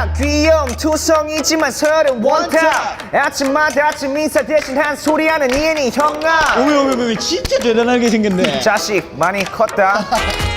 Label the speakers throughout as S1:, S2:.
S1: 원탑 귀여움 투성이지만 서열은 원탑 아침마다 아침 인사 대신 한 소리 하는 이엔이 형아
S2: 어머 진짜 대단하게 생겼네.
S1: 자식 많이 컸다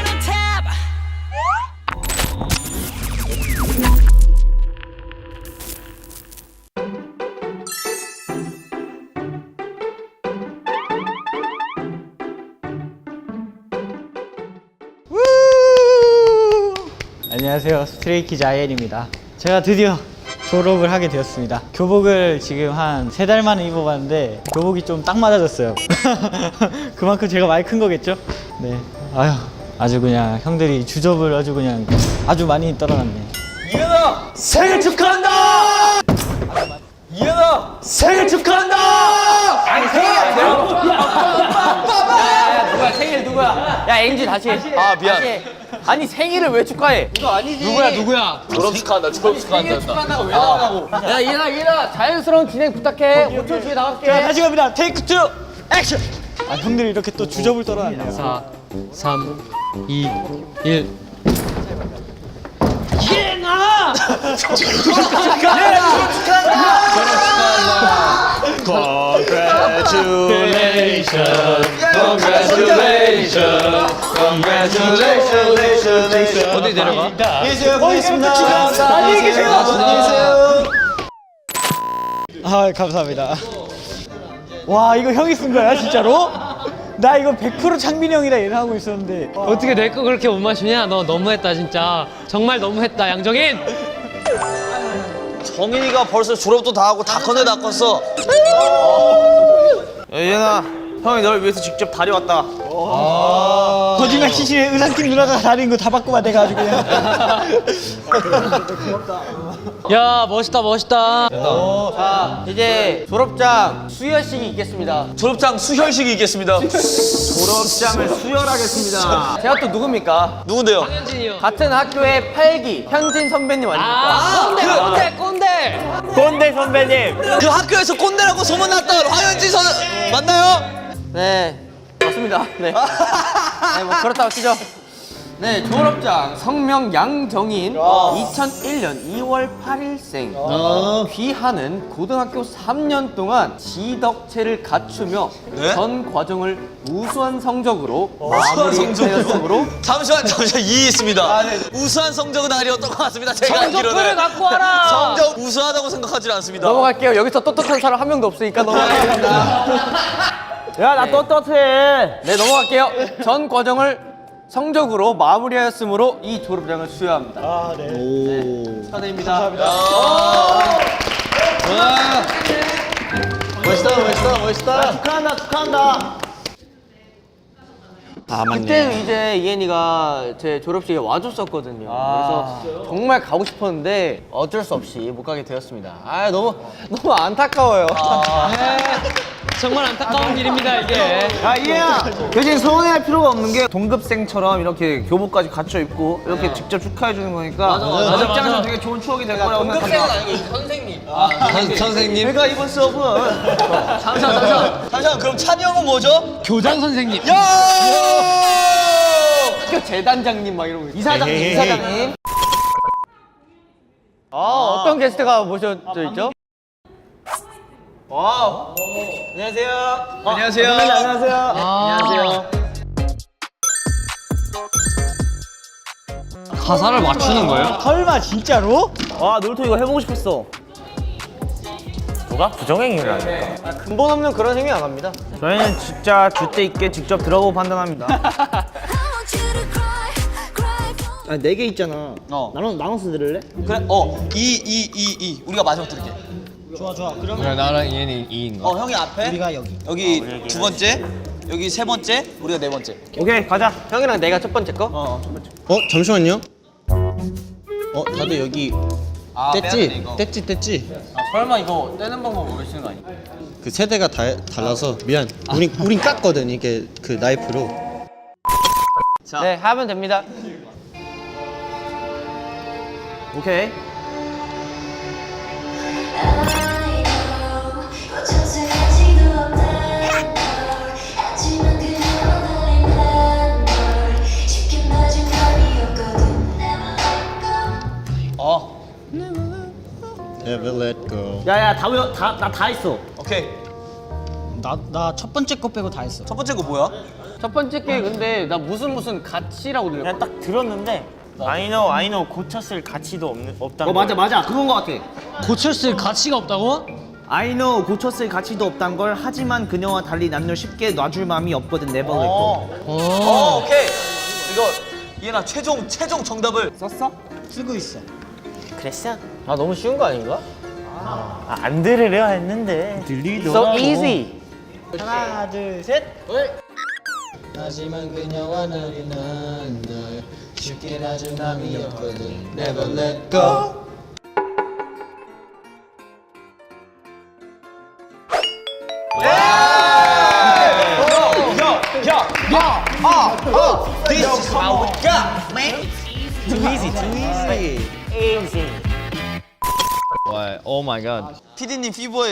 S2: 안녕하세요, 스트레이키즈 아이엔입니다. 제가 드디어 졸업을 하게 되었습니다. 교복을 지금 한 3달 만에 입어봤는데 교복이 좀 딱 맞아졌어요. 그만큼 제가 많이 큰 거겠죠? 네. 아주 그냥 형들이 주접을 아주 많이 떨어놨네.
S3: 이현아 생일 축하한다. 이현아 생일 축하한다. 아니 생일 아니야. 야 누구야 생일 누구야? 야 앵지 다시 해. 아 미안. 다시 해. 아니 생일을 왜 축하해? 이거 아니지. 누구야? 졸업 축하한다. 생일 축하한다고 왜 나가고? 야 이현아 자연스러운 진행 부탁해. 5초 뒤에 나갈게.
S2: 자, 다시 갑니다. 테이크 2 액션. 형들이 이렇게 또 주접을 떨어놨네요.
S4: 4, 3, 2, 1. 어디 내려가?
S2: 안녕히 계세요. 고맙습니다. 안녕히 계세요. 안녕히 계세요. 감사합니다. 와, 이거 형이 쓴 거야, 진짜로? 나 이거 100% 창민이 형이라 예상하고 있었는데.
S4: 어떻게 내 거 그렇게 못 마시냐? 너 너무했다 진짜. 정말 너무했다 양정인.
S3: 정인이가 벌써 졸업도 다 하고 다 커내 다 컸어.
S1: 예나 형이 널 위해서 직접 다려왔다
S2: 거짓말 치시네. 의상팀 누나가 다른 거 다 바꾸면 돼가지고 그냥.
S4: 야 멋있다.
S5: 자, 이제 졸업장 수여식이 있겠습니다.
S3: 졸업장 수혈식이 있겠습니다.
S1: 졸업장을 수혈하겠습니다
S5: 제가 또 누굽니까?
S3: 누군데요?
S4: 현진이요.
S5: 같은 학교의 8기 현진 선배님 아닙니까?
S1: 꼰대 선배님
S3: 그 학교에서 꼰대라고 소문났던 화현지 선 맞나요?
S5: 네, 맞습니다. 네. 네, 뭐 그렇다고 치죠. 네, 졸업장 성명 양정인 2001년 2월 8일생 귀하는 고등학교 3년 동안 지덕체를 갖추며
S3: 네?
S5: 전 과정을 우수한 성적으로 마무리하였으므로
S3: 잠시만 이의 있습니다. 우수한 성적은 아니었던 것 같습니다. 제가
S4: 성적표를
S3: 알기로는
S4: 갖고 와라.
S3: 성적 우수하다고 생각하지 않습니다.
S5: 넘어갈게요. 여기서 떳떳한 사람 한 명도 없으니까 넘어가겠습니다.
S1: 야 나 떳떳해
S5: 네, 넘어갈게요. 전 과정을 성적으로 마무리하였으므로 이 졸업장을 수여합니다. 네, 축하드립니다.
S1: 멋있다 축하한다
S5: 그때 이제 이엔이가 제 졸업식에 와줬었거든요. 그래서 정말 가고 싶었는데 어쩔 수 없이 못 가게 되었습니다. 너무 안타까워요.
S4: 정말 안타까운 일입니다 이게.
S1: 야 이해야 대신 서운해할 필요가 없는 게 동급생처럼 이렇게 교복까지 갖춰 입고 이렇게 직접 축하해 주는 거니까
S4: 맞아.
S1: 입장에서 되게 좋은 추억이 될 거라고 생각합니다
S3: 선생님.
S1: 내가 이번 수업은
S3: 잠시만 그럼 찬이 형은 뭐죠?
S4: 교장 선생님.
S5: 학교 재단장님 막 이러고 이사장님. 어떤 게스트가 모셔져 있죠?
S1: 안녕하세요
S5: 안녕하세요.
S4: 가사를 맞추는 거예요?
S2: 설마 진짜로?
S1: 와 놀토 이거 해보고 싶었어 누가 부정행위라니까
S5: 근본 없는 그런 행위 안 합니다.
S1: 저희는 진짜 줏대 있게 직접 들어보고 판단합니다 아니 4개 있잖아 나눠서 들을래?
S3: 그래 이 우리가 마지막 들을게.
S2: 좋아. 그럼
S4: 그래 나랑 이현이 2인가?
S3: 형이 앞에
S2: 우리가 여기.
S3: 여기 두 번째 여기 세 번째 우리가 네 번째.
S1: 오케이 가자
S5: 형이랑 내가 첫 번째 거?
S6: 잠시만요. 다들 여기
S3: 뗐지?
S6: 뗐지.
S5: 설마 이거 떼는 방법 모르시는 거 아니야?
S6: 그 세대가 달라서 미안. 우린 깠거든 이게 그 나이프로.
S5: 네, 하면 됩니다.
S1: 오케이
S6: Never let go.
S5: 야야 나 다 했어.
S3: 오케이.
S2: 나 첫 번째 거 빼고 다 했어.
S3: 첫 번째 거 뭐야?
S5: 첫 번째 게 근데 나 무슨 가치라고 들려.
S1: 그냥 딱 들었는데 I know 고쳤을 가치도 없다는
S5: 맞아 그건 거 같아.
S4: 고쳤을 가치가 없다고?
S1: I know 고쳤을 가치도 없단 걸 하지만 그녀와 달리 남녀 쉽게 놔줄 마음이 없거든 never let go.
S3: 오케이. 이거 이해나 최종 정답을
S1: 썼어?
S2: 쓰고 있어.
S1: 그랬어?
S5: 아 너무 쉬운 거 아닌가?
S1: 안 들으려 했는데
S5: So easy.
S2: 하나, 둘, 셋. 하지만 그녀와 나는 널 쉽게 놔줄 마음이 없거든. Never let go.
S3: This is how we got, man.
S5: 와, 오 마이 갓.
S3: 피디님 피버에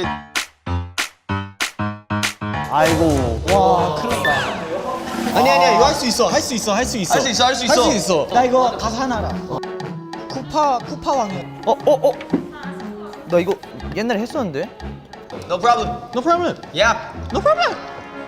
S6: 아니야 이거 할 수 있어. 할 수 있어.
S3: 할 수 있어.
S2: 나 이거 가사 하나 알아. 쿠파 왕이야.
S1: 나 이거 옛날에 했었는데?
S3: No problem.
S6: No problem.
S3: Yeah.
S6: No problem.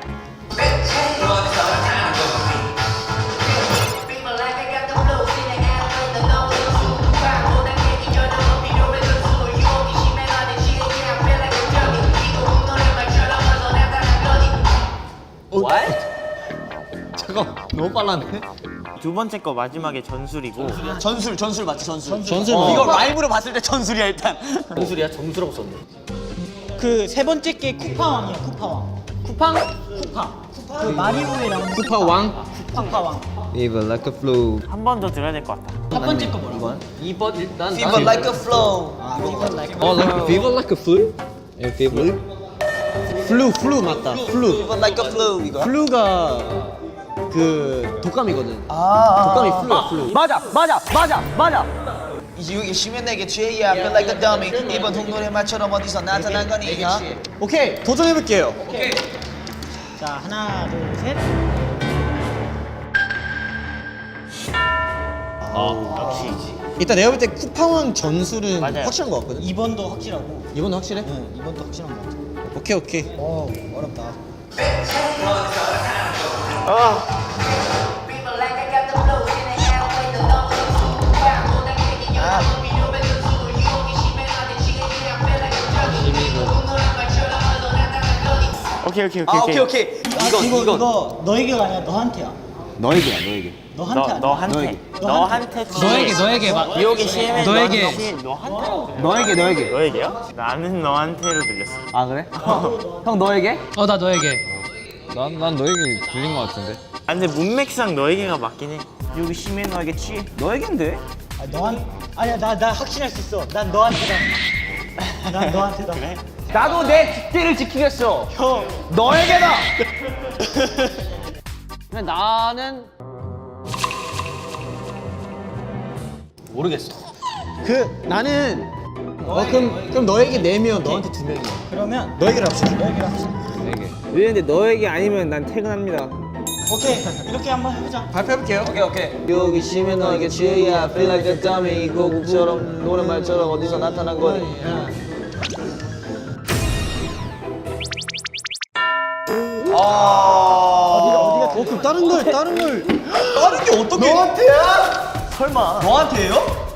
S5: 잠깐 너무 빨랐네.
S1: 두 번째 거 마지막에 전술이고
S3: 전술 맞지 전술.
S6: 전술
S3: 이거 라이브로 봤을 때 전술이야 일단.
S5: 정술이야 정수라고 썼네.
S2: 그 세 번째 게 쿠파 왕이야. 쿠파 왕.
S5: 쿠팡?
S2: 쿠파. 그 마리오에 나오는
S5: 쿠파 왕.
S2: 쿠파 왕.
S5: Even like a flu.
S1: 한 번 더 들어야 될 것 같다.
S2: 첫 번째 거 뭐라고?
S5: 2번 일단.
S3: Fever like a flow.
S5: Fever like a flu? Yeah, fever.
S6: 플루 맞다. 플루.
S3: Fever like a flow 이거.
S6: 플루가 그 독감이거든. 독감이 플루야 플루.
S5: 맞아.
S3: 이게 쉬면 내게 취해야 feel like a dummy. 이번 동물의 말처럼 어디서 나타난 거니?
S6: 오케이 도전해 볼게요.
S2: 자, 하나, 둘, 셋.
S6: 일단 내가 볼 때 쿠팡왕 전술은
S1: 맞아요.
S6: 확실한 것 같거든.
S2: 2번도 확실하고.
S6: 이번도 확실해?
S2: 응, 2번도 확실한 거 같아.
S6: 오케이.
S2: 어렵다.
S1: 오케이.
S3: 오케이.
S2: 이거 너에게가 아니라 너한테야.
S5: 너에게야.
S2: 너한테.
S1: 너한테
S4: 너에게 막
S1: 비오기 심해
S4: 너에게.
S1: 너에게요? 나는 너한테로 들렸어.
S5: 아 그래? 형 너에게?
S4: 나 너에게.
S5: 난 너에게 들린 거 같은데.
S1: 아 근데 문맥상 너에게가 맞긴 해. 비오기 심해 너에게 취해. 너에겐데?
S2: 아니야, 나 확신할 수 있어. 난 너한테다. 난 너한테다.
S5: 나도 내 뒷대를 지키겠어.
S2: 형.
S5: 너에게다. 근데 나는 모르겠어.
S6: 그 나는 그럼 너에게 4명, 너한테 2명이야.
S2: 그러면
S6: 너에게를 합시다.
S1: 왜 근데 너에게 아니면 난 퇴근합니다.
S2: 오케이. 이렇게 한번 해보자.
S6: 발표해볼게요.
S3: 오케이.
S5: 여기 심해 너에게 취해야 feel like a dummy. 이 곡처럼 노랫말처럼 어디서 나타난 거니?
S6: 그럼 다른 걸
S3: 다른 게 어떻게?
S1: 너한테야? 설마.
S3: 너한테예요?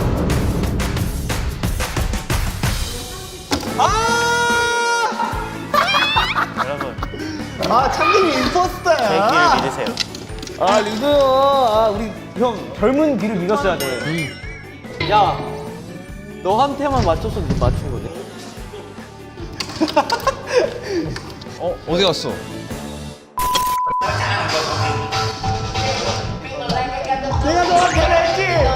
S1: 여러분
S6: 창빈이
S1: 제
S6: 임포스터야.
S1: 귀를 믿으세요.
S5: 아 리그요. 아 우리 형 젊은 귀를 믿었어야 돼. 야 너한테만 맞춰서 맞춘 거네.
S3: 어디 갔어?
S1: 내가 너한테 했지.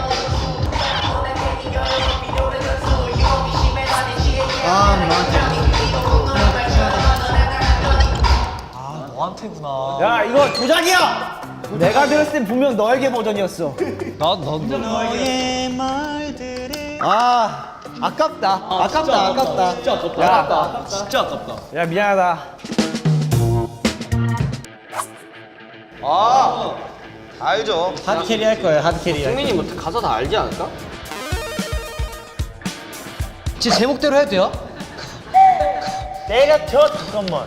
S3: 너한테구나.
S1: 야 이거 조작이야. 내가 들었을 땐 분명 너에게 버전이었어.
S2: 너의 말들을.
S6: 아깝다.
S3: 진짜 아깝다. 진짜 아깝다.
S1: 야 미안하다.
S3: 알죠.
S6: 하드 캐리 할 거예요. 하드 캐리.
S5: 승민이 뭐 가사 다 알지 않을까?
S4: 제 제목대로 해도 돼요?
S1: 때려쳐 잠깐만.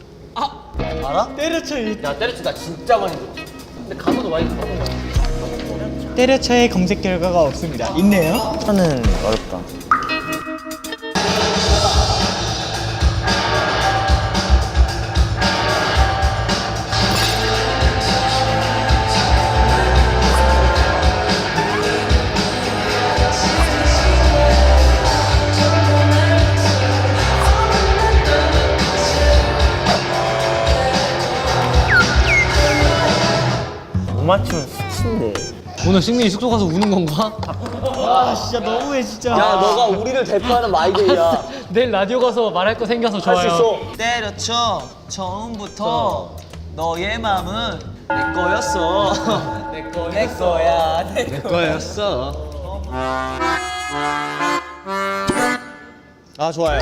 S2: 때려쳐
S5: 야 때려쳐 나 진짜 많이 들었어. 근데 가사도 많이 들어본 거야.
S2: 때려쳐의 검색 결과가 없습니다. 있네요.
S1: 저는 어렵다. 못 맞추면 수치인데.
S4: 오늘 승민이 숙소 가서 우는 건가?
S2: 아 진짜 너무해 진짜.
S5: 야 너가 우리를 대표하는 마이데이야.
S4: 내일 라디오 가서 말할 거 생겨서 좋아요.
S3: 때려쳐 처음부터 너의 맘은 내 거였어. 내 거야. 내
S6: 거였어. 아 좋아요.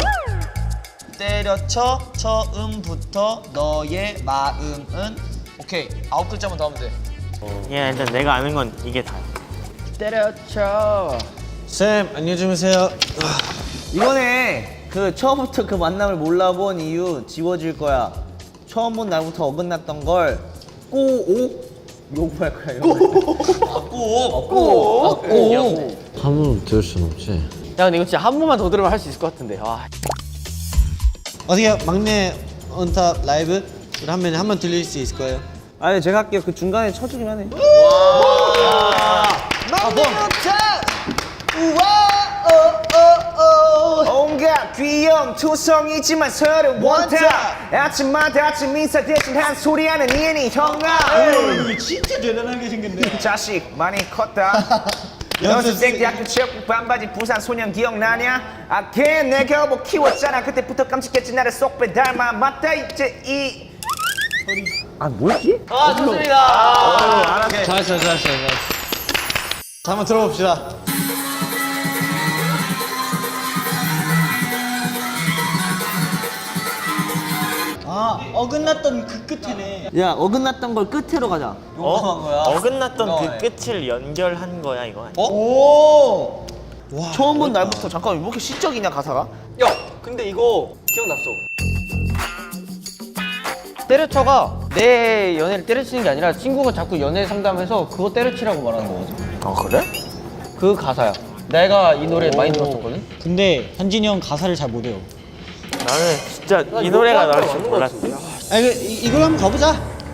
S3: 때려쳐 처음부터 너의 마음은 오케이 9글자만 더 하면 돼.
S1: 야 일단 내가 아는 건 이게 다야.
S5: 때려쳐.
S6: 쌤 안녕히 주무세요.
S5: 이번에 그 처음부터 그 만남을 몰라본 이유 지워질 거야. 처음 본 날부터 어긋났던 걸 꼬오 요구할 거야. 꼬오.
S7: 한 번 들을 순 없지.
S5: 야 근데 이거 진짜 한 번만 더 들으면 할 수 있을 것 같은데. 와.
S6: 어떻게 막내 언탑 라이브 우리 한번 들릴 수 있을 거예요.
S5: 아니 제가 할게요. 그 중간에 쳐주긴 하네.
S1: 온갖 귀여움 투성이지만 서로 원탑. 아침마다 아침 인사 대신 한 소리하는 이엔이 형아.
S2: 진짜 대단하게 생겼네.
S1: 이 자식 많이 컸다. 연습생 대학교 체육복 반바지 부산 소년 기억나냐? 아걔 내 겨복 키웠잖아. 그때부터 깜찍했지 나를 쏙 빼닮아. 맞다 이제 이
S5: 아 뭐였지? 아 좋습니다.
S6: 잘했어. 자 한번 들어봅시다.
S2: 아 어긋났던 그 끝이네.
S5: 야 어긋났던 걸 끝으로 가자.
S3: 용감한 거야.
S1: 어긋났던 그 끝을 연결한 거야 이거 아니야?
S5: 오. 처음 본 날부터 잠깐 왜 이렇게 시적이냐 가사가?
S3: 야 근데 이거 기억났어.
S5: 때려쳐가 내 연애를 때려치는 게 아니라 친구가 자꾸 연애 상담해서 그거 때려치라고 말하는 거거든.
S1: 아 그래?
S5: 그 가사야. 내가 이 노래 많이 들었었거든.
S2: 근데 현진이 형 가사를 잘 못해요.
S1: 나는 진짜 이 노래가 나올 줄 몰랐어.
S6: 아 이걸 한번 가보자.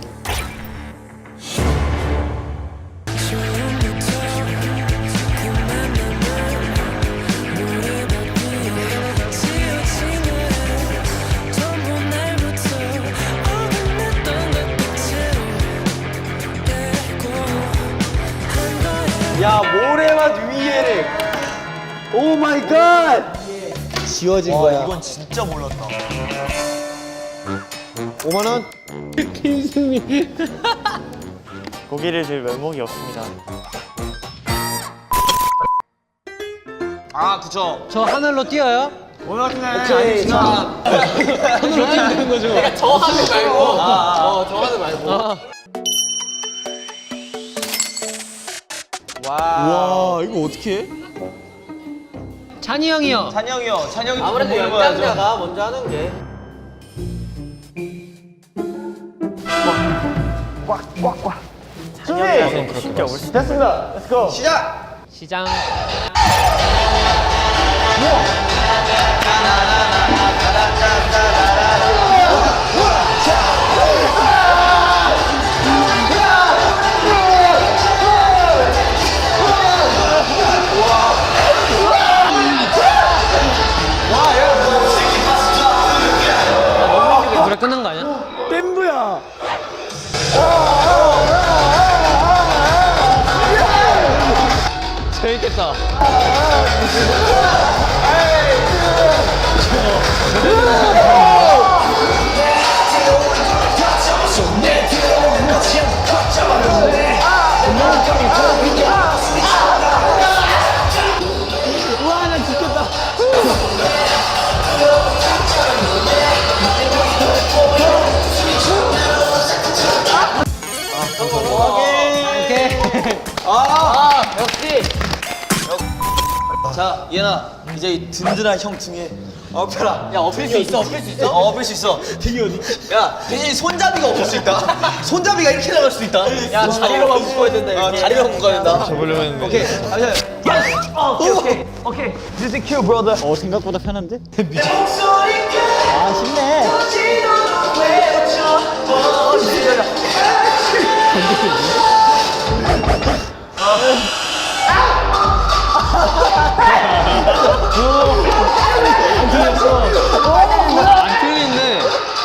S5: 야 모래맛 위에. 오 마이 갓.
S6: 지워진 거야.
S3: 이건 진짜 몰랐다.
S6: 5만 원.
S1: 고기를 줄 면목이 없습니다.
S3: 아 그쵸.
S4: 저 하늘로 뛰어요?
S5: 오케이. 자.
S4: 하늘로 뛰면 되는 거죠?
S5: 저 하늘 말고. 저 하늘 말고.
S6: 와 이거 어떻게 해?
S4: 찬이 형이요.
S3: 찬영이 형. 찬영이
S5: 아무래도 연장자가 먼저 하는 게.
S1: 준비! 진짜 올 수. 됐습니다. Let's go.
S4: 시장. 노래 끝난 거 아니야?
S1: 댄부야.
S4: 재밌겠다.
S3: 자, 얘나 이제 이 든든한 형 등에 엎혀라. 야, 엎일 수 있어, 엎일 수 있어? 엎일 수 있어. 등이 어디? 야, 대신 손잡이가 없을 수 있다. 손잡이가 이렇게 나갈 수 있다. 야, 다리로만 묶어야 된다. 이렇게. 다리로만 묶어야 된다. 접으려고 했는데. 오케이.
S1: 오케이. This is cute, brother.
S2: 생각보다 편한데? 아 쉽네.
S4: 안 틀리네.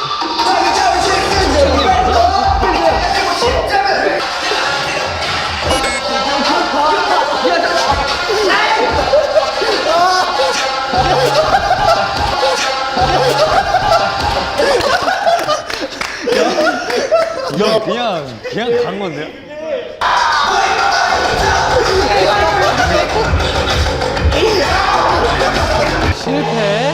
S3: 그냥 간 건데요?
S4: 실패.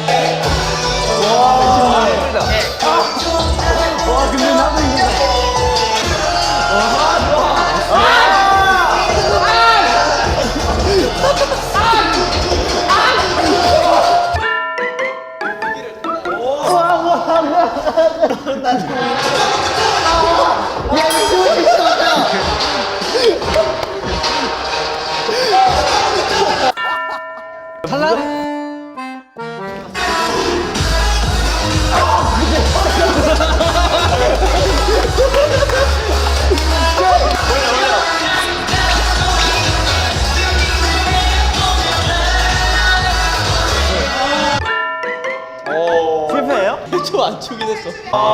S3: 좀안 추긴 했어.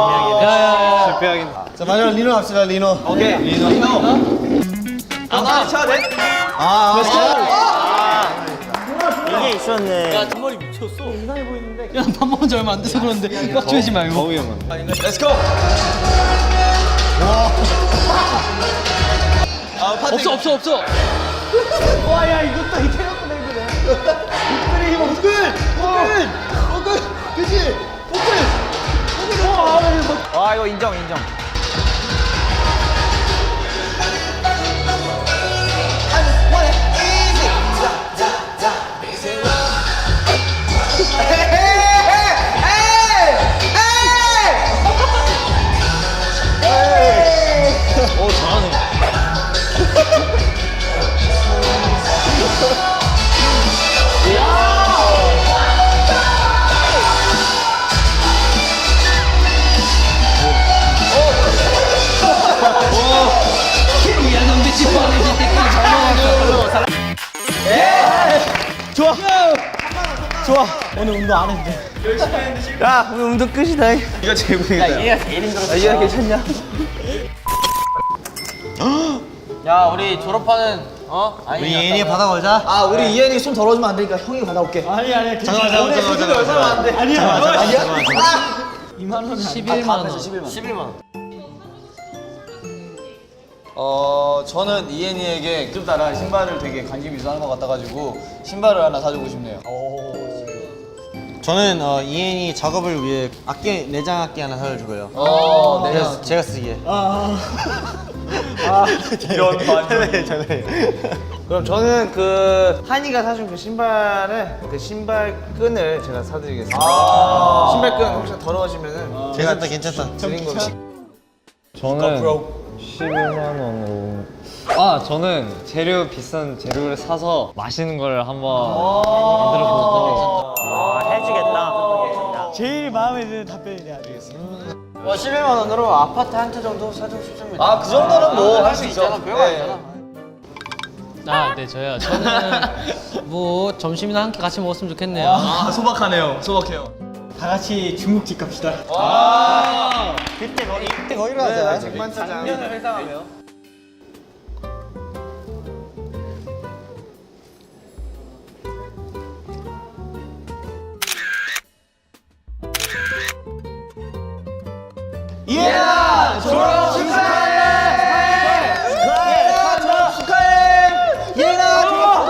S4: 야야야.
S6: 자 마지막 리노 합시다 리노.
S3: 오케이. 리노. 나 쳐야 돼?
S1: 이게 있었네.
S3: 야, 뒷머리 미쳤어.
S4: 야, 밥 먹은 지 얼마 안 돼서 그런데 꽉 조이지 말고.
S3: Let's go. 아, 파트.
S4: 없어.
S1: 아, 이거 인정.
S2: 좋아. 오늘 운동 안 했는데.
S1: 야, 오늘 운동 끝이다.
S3: 이거 제일 고생했다.
S5: 얘가 제일 힘들었어.
S1: 얘가 괜찮냐?
S5: 야, 우리 졸업하는
S6: 우리 예인이 받아걸자.
S3: 아, 우리 이현이 손 더러워지면 안 되니까 형이 받아올게.
S2: 아니야.
S6: 잠깐만.
S2: 아니야.
S4: 11만 원.
S5: 11만 원.
S3: 저는 이현이에게 좀 따라 신발을 되게 관심이 있어 하는 것 같아가지고 신발을 하나 사주고 싶네요.
S6: 저는 이엔이 작업을 위해 악기 내장 악기 하나 사주고요. 그래서 제가 쓰기에.
S3: 이런 반전.
S1: 그럼 저는 그 한이가 사준 그 신발을 그 신발끈을 제가 사드리겠습니다. 신발끈 혹시 더러워지면은 제가
S6: 괜찮다.
S1: 드린 거.
S7: 저는 11만 원으로. 저는 재료 비싼 재료를 사서 맛있는 걸 한번 만들어 보고.
S2: 제일 마음에 드는 답변이네 아주.
S5: 11만 원으로 아파트 한 채 정도 사주고 싶습니다.
S3: 아, 그 정도는 뭐 할 수 있죠.
S5: 별거 아니잖아.
S4: 네, 저요. 저는 뭐 점심이나 함께 같이 먹었으면 좋겠네요.
S3: 아, 소박하네요. 소박해요.
S2: 다 같이 중국집 갑시다.
S6: 그때 거기로 하자.
S1: 백반짜장.
S5: 회상하며.
S3: 이현아, 졸업 축하해! 이현아, 졸업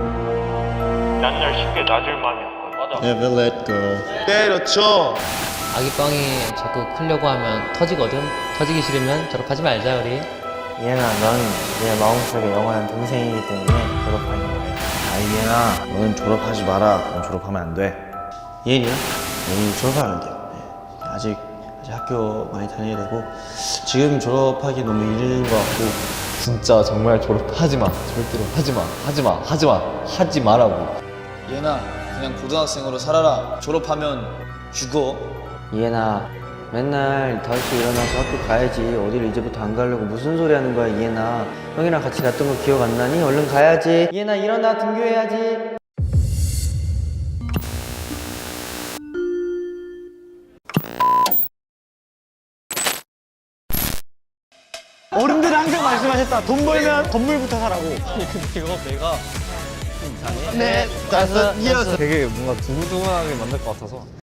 S8: 난날 쉽게 놔줄 마음이 없거든.
S6: Never let go.
S3: 때려쳐.
S4: 아기 뻥이 자꾸 크려고 하면 터지거든. 터지기 싫으면 졸업하지 말자 우리.
S5: 이해나, 넌 내 마음속에 영원한 동생이기 때문에 졸업하는 거야.
S1: 이해나, 너는 졸업하지 마라. 넌 졸업하면 안 돼.
S6: 예은이요? 예은이 졸업하면 돼요. 네. 아직 학교 많이 다녀야 되고 지금 졸업하기 너무 이른 것 같고
S7: 진짜 정말 졸업하지 마. 절대로 하지 마. 하지 마. 하지 마. 하지 마라고.
S8: 얘나 그냥 고등학생으로 살아라. 졸업하면 죽어.
S5: 이해나, 맨날 다시 일어나서 학교 가야지. 어디를 이제부터 안 가려고 무슨 소리 하는 거야, 이해나. 형이랑 같이 갔던 거 기억 안 나니? 얼른 가야지. 이해나, 일어나, 등교해야지.
S2: 어른들은 항상 말씀하셨다. 돈 벌면 건물부터 사라고. 근데 이거 내가
S7: 되게 뭔가 두근두근하게 만들 것 같아서